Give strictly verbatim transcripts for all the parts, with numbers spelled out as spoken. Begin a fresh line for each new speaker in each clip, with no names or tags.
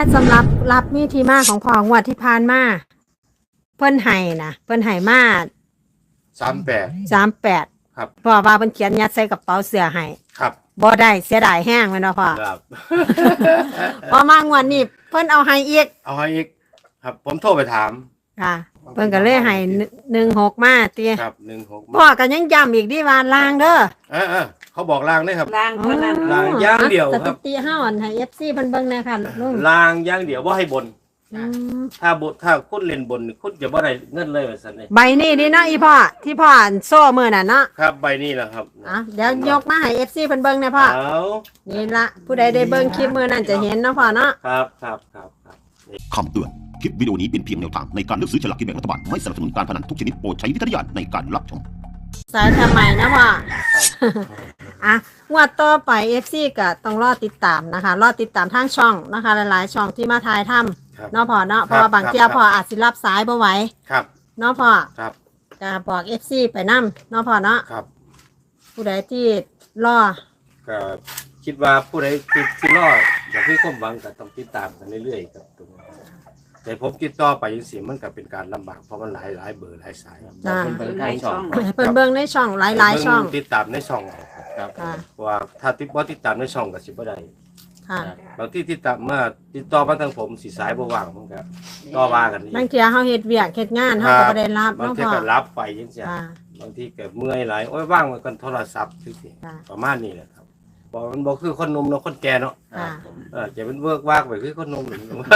สำหรับรับมีที่มาของพ่องวดที่ผ่านมาเพิ่นให้นะเพิ่นให้มา
สามแปด
สามแปด
ครับ
พ่อว่าเพิ่นเขียนยัดใส่กระเป๋าเสื้อให้
ครับ
บ่ได้เสียดายแห้งแม่นบ่พ่อ
ครับ
พอมางวดนี้เพิ่นเอาให้อีก
เอาให้อีกครับผมโทรไปถาม
ค่ะเพิ่นก็เลยให้หนึ่งหกมาติ
ครับหนึ่งหก
พ่อก็ยังย้ำอีกดิว่าลางเด้อ
เออๆเขาบอกลางได้ครับ
ลางเท่านั้น
ลางอย่างเดียวครับ
สถิติเฮาอันให้ เอฟ ซี เพิ่นเบิ่งแหน่ค่ะลุง
ลางอย่างเดียวบ่ให้บน
อืม
ถ้าบถ้าคุณเล่นบนคุณจะบ่ได้เงินเลยว่าซั่นนี่
ใบนี้นี่เนาะอีพ่อที่พ่ออันโซ่มื้อน่ะเนาะ
ครับใบนี้แหละครับ
อ่ะเดี๋ยวยกมาให้ เอฟ ซี เพิ่นเบิ่งแหน่พ่อ
เอา
นี่ละผู้ใดได้เบิ่งคลิปมื้อนั้นจะเห็นเนาะพ่อเนาะ
ครับครับครับครับ
คำเตือนคลิปวิดีโอนี้เป็นเพียงแนวทางในการเลือกซื้อฉลากกินแบ่งรัฐบาลไม่สนับสนุนการพนันทุกชนิดโปรดใช้วิจารณญาณในการรับชม
สายทำไมนะพ่ออ่ะงวดต่อไป เอฟ ซี ก็ต้องรอติดตามนะคะรอติดตามทางช่องนะคะหลายๆช่องที่มาถ่ายทำเนาะพ่อเนาะเพราะว่าบางเที่ยพ่ออาจสิรับสายบ่ไหว
ครับ
เนาะพ่อ
ครับ
ก็บอก เอฟ ซี ไปนำเนาะพ่อเนาะ
ครับ
ผู้ใดที่รอ
ก็คิดว่าผู้ใดที่ที่รออยากมีความหวังก็ต้องติดตามกันเรื่อยๆครับตรงนี้แต่ผมติดต่อไปจังซี่มันก็เป็นการลำบากเพราะมันหลายหลายเบอร์หลายสาย
จ้า
เพิ่นให้ช่อง
เพิ่นเบิ่งในช่องหลายๆช่อง
ติดตามในช่องครับว่าถ้าติดบ่ติดตามในช่องก็สิบ่ได้
ค่ะ
บางที่ติดตามมาติดต่อมาทางผมสิสายบ่ว่างผมก็ต่อว่ากันนี่
บางเที่ยเฮาเฮ็ดเวียกเฮ็ดงานเฮาก็บ่ได้รับบ
าง
เนาะ
ที
พ่อ
ก็รับไปจังซี่
ค่ะ
บางทีก็เมื่อยหลายโอ้ยว่างไว้กันโทรศัพท์จังซี่ประมาณนี้แหละครับบ่มันบ่คือคนหนุ่มเนาะคนแก่เนาะ
ค่ะ
เออจะเป็นเวิร์กวากไปคือคนหนุ่ม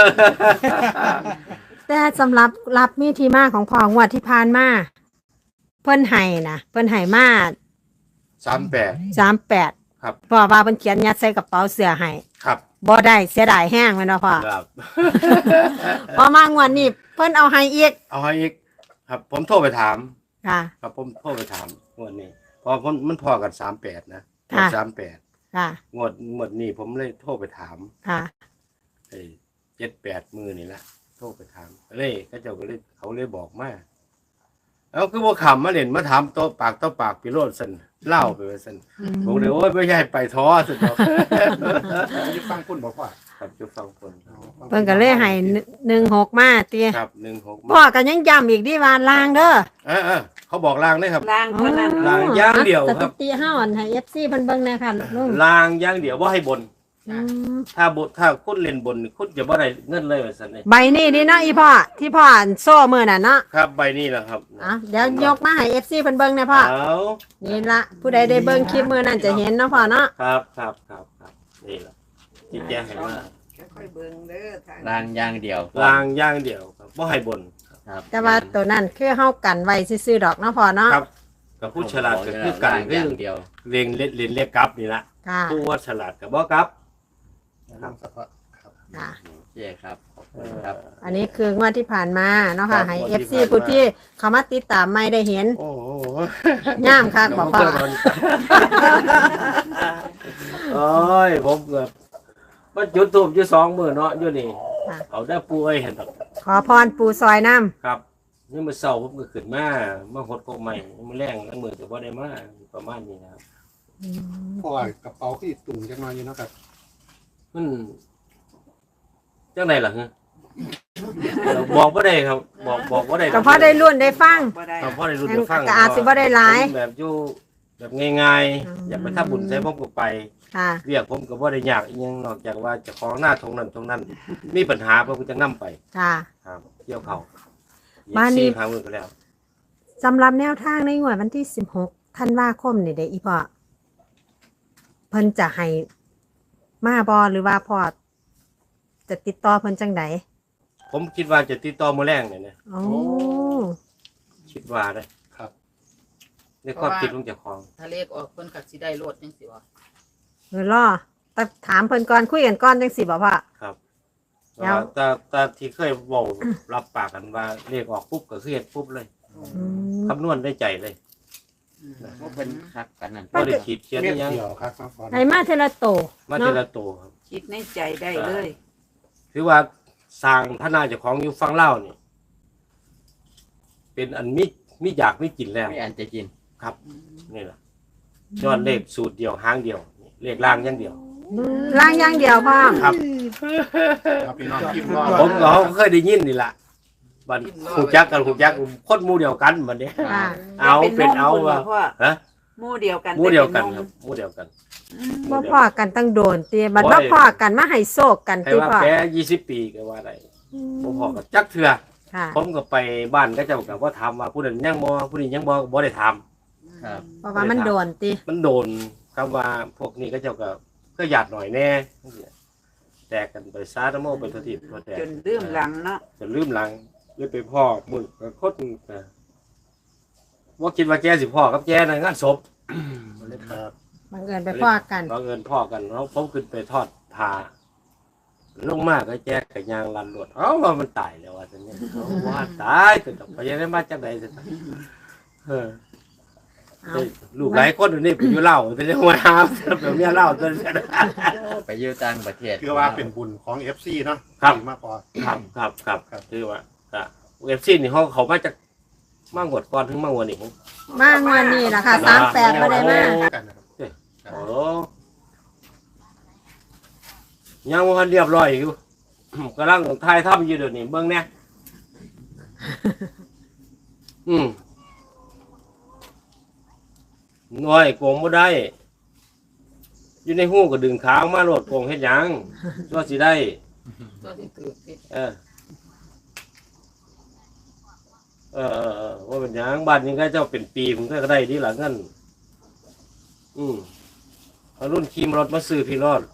แต่สำหรับรับมีที่มาของพ่องวดที่ผ่านมาเพิ่นให้นะเพิ่นให้มา
สามแปด
สามแปด
ครับ
พ่อว่าเพิ่นเขียนยัดใส่กระเป๋าเสื้อให้
ครับ
บ่ได้เสียดายแห้งแม่นบ่พ่อ
ครับ
พอมางวดนี้เพิ่นเอาให้อีก
เอาให้อีกครับผมโทรไปถาม
ค่ะ
ครับผมโทรไปถามงวดนี้เพอมันมันพอกันสามแปดนะสามแปด
ค่ะ
งวดงวดนี้ผมเลยโทรไปถาม
ค่ะ
ไอ้เจ็ดแปดมือนี่ละโทรไปถามเลยก็เจ้าก็เลยเขาเลยบอกมาเอาคือว่าขำมาเล่นมาถามโต๊ะปากโต๊ะปากพิโรธสันเล่าไปว่าสันบอกเลยโอ้ยไม่ใช่ไปท้อสุดหรอก
ยุฟังคุณบอกว่า
ครับจะฟังคน
เพิ่นก็เลยให้หนึ่งหกมาติ
ครับหนึ่งหก
พ่อก็ยังย้ำอีกดิว่าลางเด้อ
เออเออเขาบอกลางได้ครับ
ลางเท่านั้น
ลางอย่างเดียวครับ
สถิติเฮาอันให้ เอฟ ซี เพิ่นเบิ่งแหน่ค่ะลุง
ลางอย่างเดียวว่าให้บน
อืม
ถ้าบถ้าคุณเล่นบนคุณจะบ่ได้เงินเลยว่าซั่นนี่
ใบนี้นี่เนาะอีพ่อที่พ่ออันโซ่มื้อน่ะเนาะ
ครับใบนี้แหละครับ
อ่ะเดี๋ยวยกมาให้ เอฟ ซี เพิ่นเบิ่งแหน่พ่อ
เอา
นี่ละผู้ใดได้เบิ่งคลิปมื้อนั้นจะเห็นเนาะพ่อเนาะ
ครับครับครับครับนี่ล่ะที่แจ้งให้มา
ค่อยเบิ่งเด้อทาง
ลางอย่างเดียว
ลางอย่างเดียวครับบ่ให้บน
ครับ
แต่ว่าตัวนั้นคือเฮากันไว้ซื่อๆดอกเนาะพ่อเนาะ
ครับกับผู้ฉลาดก็คือกัน
อ
คือย่าง
เดียว
เรียนเล่นเรียนเรียกกลับนี่ล่ะ
ค่ะ
ผู้ว่าฉลาดก็บ่กลับ
ครับ
ค่ะ
เย้ครับขอบคุณครับ
อันนี้คืองวดที่ผ่านมาเนาะค่ะให้ เอฟ ซี ผู้ที่เข้ามาติดตามไม่ได้เห็น
โอ้โห
ย่ามคักบอกพ่อ
โอ้ยผมเกือบมาจุดทูบอยู่สองมื้อเนาะอยู่นี่
ค่ะ
เอาได้ปูเอ้ยเห็นดอก
ขอพรปู่ซอยน้ำ
ครับนี่มื้อเช้าผมก็ขึ้นมามาหดกบใหม่มื้อแรงแล้วมื้อก็บ่ได้มาประมาณนี้นะครับ
เพราะว่ากระเป๋าที่ตุ่มจังน้อยอยู่เนาะครับ
มันจังไดล่ะฮะบอกบ่ได้ครับบอกบอกบ่ได้
ก็พอได้รุ่นได้ฟัง
บ่ได้
ก็พอได้รู้ได้ฟัง
ก็อาจสิบ่ได้หลาย
ผมแบบอยู่แบบง่าย
อืม
ๆอยากไปทำบุญใส่ผมก็ไป
ค่ะ
เรียกผมก็บ่ได้ยากอีหยังนอกจากว่าเจะของหน้าตรงนั้นตรงนั้น มีปัญหาผมก็จะนำไป
ค่ะ
ครับเกี่ยวเขา
บ้านนี้
สี่ครั้งมือก็แล้ว
สำหรับแนวทางในงวดวันที่สิบหกธันวาคมนี่เด้อีพ่อเพิ่นจะให้มาบ่หรือว่าพ่อจะติดต่อเพิ่นจังได
ผมคิดว่าจะติดต่อมื้อแรงเนี่ยนะ
โอ้
คิดว่าได้
ครับ
ในความคิดของเจ้าของ
ถ้าเลขออกเพิ่นก็สิได้โลดจังซี่บ่
เออรอแต่ถามเพิ่นก่อนคุยกันก่อนจังสิบ่พ่อ
ครับ
แล้ว
แต่แต่ที่เคยบอกรับปากกันว่าเรียกออกปุ๊บก็คือเฮ็ดปุ๊บเลย
อืม
คำนวณได้ใจเลย
เพราะเป็นคักกันนั่น
บ่ได้ขีดเขียน
เม็
อิ
ด
หยัง
เดียวครับครับ
ให้มาเทละโต
มา
เนาะ
ทีละตัวครับ
คิดในใจได้เลย
ถือว่าสร้างพระนาเจ้าของอยู่ฝั่งลาวนี่เป็นอันมีมีอยากมีกินแล้ว
ไม่อันจะกิน
ครับนี่แหละยอดเลขสูตรเดียวหางเดียวนี่เลขล่างอย่างเดียว
ล่างอย่างเดียวพ่อ
ครับ
ครับพี่น้องพิมพ์รอ
ผมก็เคยได้ยินนี่ล่ะบัดฮู้จักกันฮู้จักคนหมู่เดียวกันบัดนี้
ค่ะ
เอาเป็นเอา
ว่า
ว่าฮะ
หมู่เดียวกัน
หมู่เดียวกันครับหมู่เดียวกัน
บ่พ่อกันตั้งโดนตีบัด
โอ้
บ่
ย
พ่อกันมาให้โศกกัน
ให้
ตี
ว่า
พ่อ
แกยี่สิบปีก็ว่าได้บ่พอก็จักเทื่อ
ค่ะ
ผมก็ไปบ้านก็เจ้าก็บ่ถามว่าผู้นั้นยังบ่ผู้นี้ยังบ่ก็บ่ได้ถาม
ครับ
เพราะว่ามันโดนตี
มันโดนคำว่าพวกนี้ก็เจ้าก็ก็หยาดหน่อยแน่แตกกันไปซาตะโมไปททิพย์ทั่วแตก
จนลืมหลังเนาะ
จนลืมหลังเลยไปพ่อมึงก็คดนะว่าคิดว่าแกสิพ่อกับแกในะงานศพ
ครับ
บังเอิญไปพ่อกัน
บังเอิญพ่อกันเขาผมขึ้นไปทอดผ้าลงมากก็แจกกับยางลันรวดเอ้าว่ามันตายแล้วว่าจะเนี่ยเอาว่าตายแต่ดอกไปยังได้มาจากไหนจะตายเออ
เอา
เฮ้ยลูกหลายคนอยู่นี่ไปอยู่เล่าแต่ยังมาหาแบบเนี้ยเล่าจน
ไปอยู่ต่างประเทศ
คือว่าเป็นบุญของ เอฟ ซี เนาะ
ครับ
มากพอ
ครับครับครับครับคือว่าครับเอฟซีนี่เขาเขามาจากมางวดก่อนถึงมางวดนี่ผม
มางวันนี้ล่ะค่ะสามแปดบ่ได้มา
กันนะครับ
โอ้ยังวันเรียบร้อยอยู่ กำลังถ่ายทำอยู่เดี๋ยวนี้เบิ่งเนี่ยอืมน้อยโกงบ่ได้ อยู่ในหูก็ดึงขาออกมาโลดโกงเฮ็ดหยังตัวสิได้
ตัวที่ถือติด
เออเออเออเออว่าเป็นหยังบ้านนี้ก็เจ้าเป็นปีผมก็ได้ที่หลังเงินอืมเอารุ่นขี่รถมาซื้อพี่รอด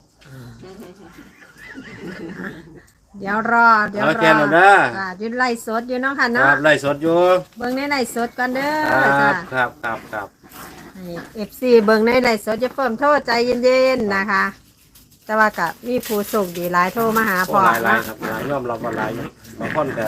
เดี๋ยวรอเดี๋ยว
เอา
ร
แก
อน
เอาเด้อ
ค่ะอยืนไล่สดอยู่เนาะค่ะ
ค
เนาะ
รับไล่สดอยู่
เบิ่งในไล่สดก่อนเด้อ
ค
จ้ะ
รับครับครับครับ
เอฟซีเบิ่งในไล่สดจะเพิ่มโทษใจเย็นๆนะคะ แต่ว่ากับมีผู้โชคดีหลายโทรมาหา
โอ้
พ่อ
หลายหลาย
เนาะ
ครับหลายยอมรับว่าหลายอยู่บางคนก็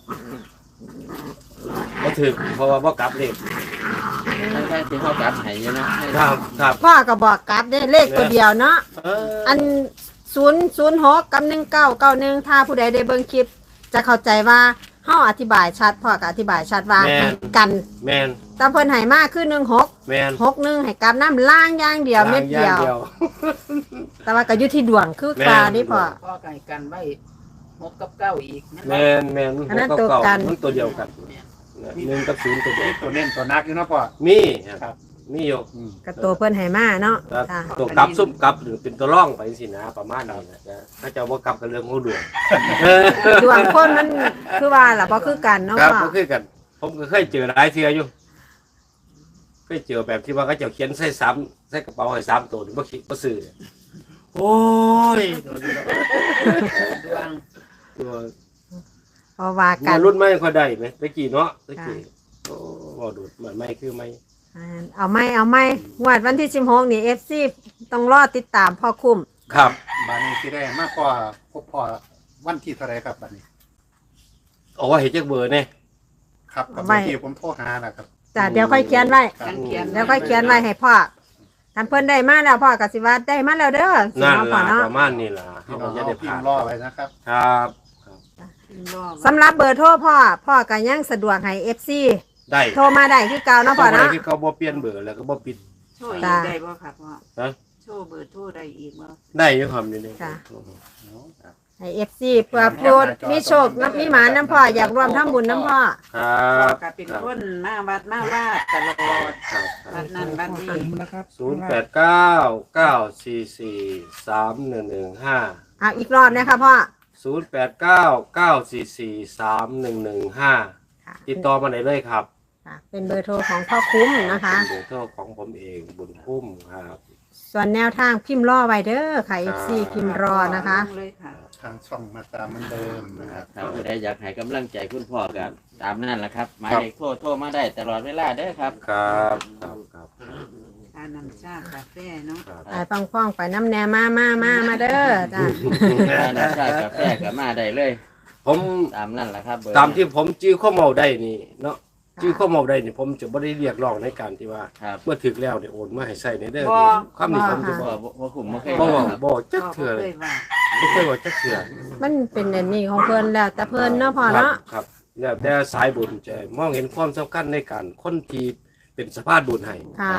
บ่ถึกเพราะว่าบ่กลับเลข
ทั้งทั้งที่เขากลับให้อยู่เนาะให้
ครับครับ
พ่อก็บอกกลับได้เลขตัวเดียวเนาะ
เออ
อันศูนย์ศูนย์หกกับหนึ่งเก้าเก้าหนึ่งถ้าผู้ใดได้เบิ่งคลิป จะเข้าใจว่าเฮาอธิบายชัดพ่อก็อธิบายชัดว่าให้กัน
แมน
แตาเพิ่นให้มาคือหนึ่งหก
แมน
หกหนึ่งให้กลับน้ำล่างอย่างเดียวเม็ดเดียว
าง
แต่ว่าก็อยู่ที่ดวงคือ
แม่น
ปลานี่พ่อ
พ่อไก่กันไว้หกกับเก้าอีกนั่น
แม
เนาะ
นแมน
อันนั้น
ห
ตัว
เา
กัน
มันตัวเดียวกันหนึ่งกับศูนย์ตัวเดียว
ตัวเน้นตัวนักอยู่เนาะพ่อ
มีค
ครั
รับบ มีอยู่
อืม
กับตัวเพิ่นให้มาเนาะ
ครับ
ค่ะ
ตัวกลับซุ่มกลับหรือเป็นตัวร่องไปสินะประมาณนี้นะจ๊ะถ้าจะว่ากลับกับเรื่องของดวง
ดวงคนมันคือว่าล่ะบ่คือกันเนาะ
ครับ
พ่อ
ก็คือกัน ผมก็เคยเจอหลายเทื่ออยู่เคยเจอแบบที่ว่าเขาเจะเขียนใส่ซ้ำใส่กระเป๋าให้ซ้ำตัวนี่บ่คิดบ่ซื้อโอ้ย
ดวง
ตัว
เพราะว่ากั
มาน รุ่นไม่ค่อยได้ไหมตะกี้เนาะตะกี้โอ้บ่ดูดเหมือนไม่คือไม่
อ่าเอาไหม่เอาไหม่งวดวันที่สิบหกนี่ เอฟ ซี ต้องรอติดตามพ่อคุ้ม
ครับ
บานนี้สิได้มากพอพบพ่อวันที่เท่าไรครับบัดนี้
เอาว่าเห็นจักเบอร์เนี่ย
ครับกับเมื่อกี้ผมโทรหานะครับ
จ้ะเดี๋ยวค่อยเขียนไว้
กันเขียน
เดี๋ยวค่อยเขียนไว้ให้พ่อท่านเพิ่นได้มาแล้วพ่อก็สิว่าได้มาแล้วเด้อสิ
นั่น
เนาะพ่อ
ล่ะ
เนาะ
ประมาณนี้ล่ะ
พี่
เขา
น้
ก็
อง
จะ
เอา
ได้
พิ
ผ่าม น
พ์รอไว้นะครับ
ครับ
รอบ
สำหรับเบอร์โทรพ่อพ่อก็ยังสะดวกให้ เอฟ ซี
ได้
โทรมาได้คือเก่าเนาะพ่อ
เนาะ
เนาะ
ที่เขาบ่เปลี่ยนเบอร์แล้วก็บ่ปิด
โชว์อี
จ้ะ
กได้บ่ครับพ่อ
ฮะ
โชว์เบอร์โทรได้อีกบ่
ได้อยู่ครับอยู่นี่
จ้ะ
ครับ
ให้ เอฟ ซี เพื่อโปรดมีโชคนับมีหมาน้ำพ่ออยากรวมทำบุญน้ำพ่อ
ครั
พ่อบ ก็เป็นคนมาวัดมาว่าตลอด
ครับ
วัดนั้นวัดนี้
ศูนย์แปดเก้าเก้าสี่สี่สามหนึ่งหนึ่งห้า
เอาอีกรอบนะคะพ่อ
ศูนย์แปดเก้าเก้าสี่สี่สามหนึ่งหนึ่งห้า
ค่ะ
ติดต่อมาได้เลยครับ
ค่ะเป็นเบอร์โทรของพ่อคุ้มนะคะ
เป็นเบอร์โทรของผมเองบุญคุ้มครับ
ส่วนแนวทางพิมพ์รอไว้เด้อค่ะ เอฟ ซี พิมพ์รอนะคะ
ลงเลยค่ะ
ทางช่องมาตามเหมือนเดิมนะครับ
ถ้าผู้ใดอยากให้กำลังใจคุณพ่อกับตามนั่นแหละครับหมายเลขโทรโทรมาได้ตลอดเวลาเด้อครับ
ครับครับครับ
ทานน้ำชากาแฟเนาะ
ครับ
ไปฟังฟ้องไปน้ำแนมามามามาเด้อจ้ะ
ถ้าน้ำชากาแฟก็มาได้เลย
ผม
ตามนั่นแหละครับเบอร์
ตามที่ผมจื้อข้อเมาได้นี่เนาะจื้อข้อเมาได้นี่ผมจะไม่ได้เรียกร้องในการที่ว่า
ครับ
เมื่อถึกแล้วเนี่ยโอนมาให้ใส่ในเด้อ
บ่
คำนี้ผมจะ
บ่
บอก
บ่บ่คุ้มบ่เคย
บ่
บอก
บอก
ครับ
บอกจัก
พ่อ
เถื่อ
บ่
เล
เค
ย
ยว่า
ไม่เคยบอกจักเถื่อ
มันเป็นอันนี้ของเพิ่นแล้วแต่เพิ่นเนาะพ่อ
ครับ
เนาะ
ครับแล้วแต่สายบุญจะมองเห็นความสำคัญในการคนที่เป็นสภาพบุญให้
ค่ะ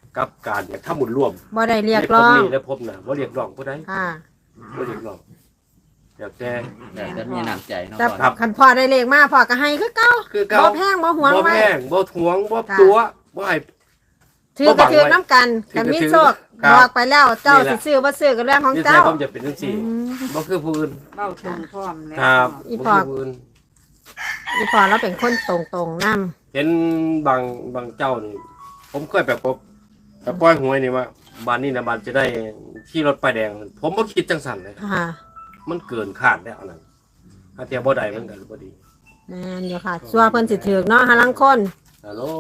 กับการอยากทำบุญร่วม
บ่ได้เรียกร้อง
ในภพนี้และภพหน้าบ่เรียกร้องผู้ใด
ค่ะ
บ่เรียกร้องอยากแต่
แต่จะมีน้ำใจเนาะ
แต่
พ่อ
ครับ
คันพ่อได้เลขมาพ่อก็ให้คือเก่า
คือเก่า
บ่แพงบ่หวง
บ่
ไว้
แพงบ่ทวงบ่
ค่ะ
ตัวบ่ให้
ถือก็ถือน้ำกัน
ถือก็
กันมี
ถือ
โชค
ครับ
บอกไปแล้วเจ้า
นี่
สิ
แหละ
ซื้อบ่ซื้อก็เรื่องของ
นี่
เจ้า
ใช่ผมจะเป็นจังซี่
อืม
บ่คือผู้อื่น
เบ้าตรงพร้อมแล้ว
ครับ
อี
บ่
พอ
คือผู้อื่น
อีพ่อเราเป็นคนตรงๆนำ
เห็นบางบางเจ้านี่ผมเคยไปพบไปปล่อยหวยนี่ว่าบ้านนี้นะบ้านจะได้ที่รถป้ายแดง ผมบ่คิดจังสั่นเลย
ค่ะ
มันเกินคาดแล้วอันนั้นถ้าเทียบบ่ได้มันก็บ่ดี
แม่นอยู่ค่ะซัวเพิ่นสิถือกเนาะหาลังคน
ฮัลโหล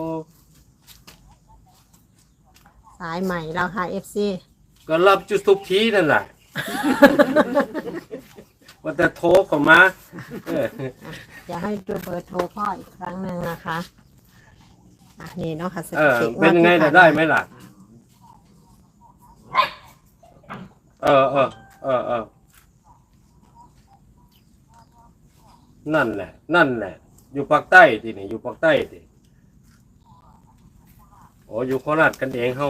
สายใหม่แล้วค่ะ เอฟ ซี
ก็รับจุดทุกทีนั่นแหละ ว่าแต่โทรเข้ามาเออ
อย่าให้ดูเบอร์โทรพ่ออีกครั้งหนึ่งนะคะอ่ะนี่เนาะค่ะส
เออ
ถิติ
เป็นไง
ที่
น่ะ
ผ่า
ได้ไหมล่ะ เออเออเออเออนั่นแหละ นั่นแหละ อยู่ภาคใต้ทีนี่อยู่ภาคใต้ทีโอ้อยู่โคราชกันเองเฮา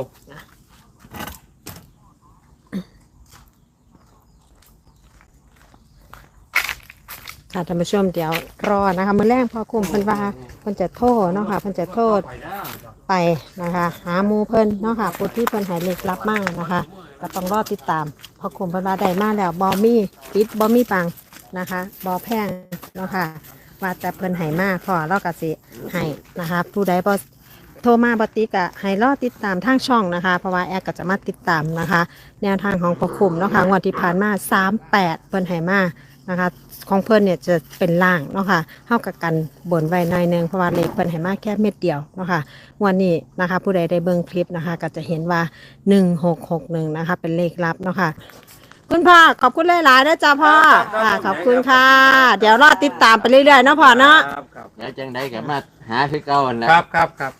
ค่ะท่านผู้ชมเดี๋ยวรอนะคะมื้อแรกพอคุมเพิ่นว่าเพิ่นจะโทษเนาะค่ะเพิ่นจะโทษไปนะคะ หาหมูเพิ่นเนาะค่ะผู้ที่เพิ่นใหายเลขลับมากนะคะก็ต้องรอติดตามพอคุมเพิ่นว่าได้มาแล้วบ่มีปิดบ่มีปังนะคะบ่แพงเนาะค่ะว่าแต่เพิ่นให้มาพอเราก็สิให้นะคะผู้ใดบ่โทรมาบ่ติดก็ให้รอติดตามทางช่องนะคะ เพราะว่าแอร์ก็จะมาติดตามนะคะ แนวทางของพอคุมเนาะค่ะงวดที่ผ่านมาสามแปดเพิ่นให้มานะคะของเพิ่นเนี่ยจะเป็นล่างเนาะค่ะเท่ากับกันบนไว้หน่อยหนึงเพราะว่าเลขเพิ่นให้มาแค่เม็ดเดียวเนาะค่ะงวันนี้นะคะ ผู้ใดได้เบิ่งคลิปนะคะ ก็จะเห็นว่าหนึ่งหกหกหนึ่งนะคะเป็นเลขลับเนาะค่ะคุณพ่อขอบคุณหลายๆนะจ๊ะพ่อค่ะขอบคุณค่ะ เดี๋ยวรอติดตามไปเรื่อยๆเนาะพ่อเนาะ
ครับครับ
แล้วจังไดก็มาหาคือเก่าหั่นแหละ
ครับครับครับ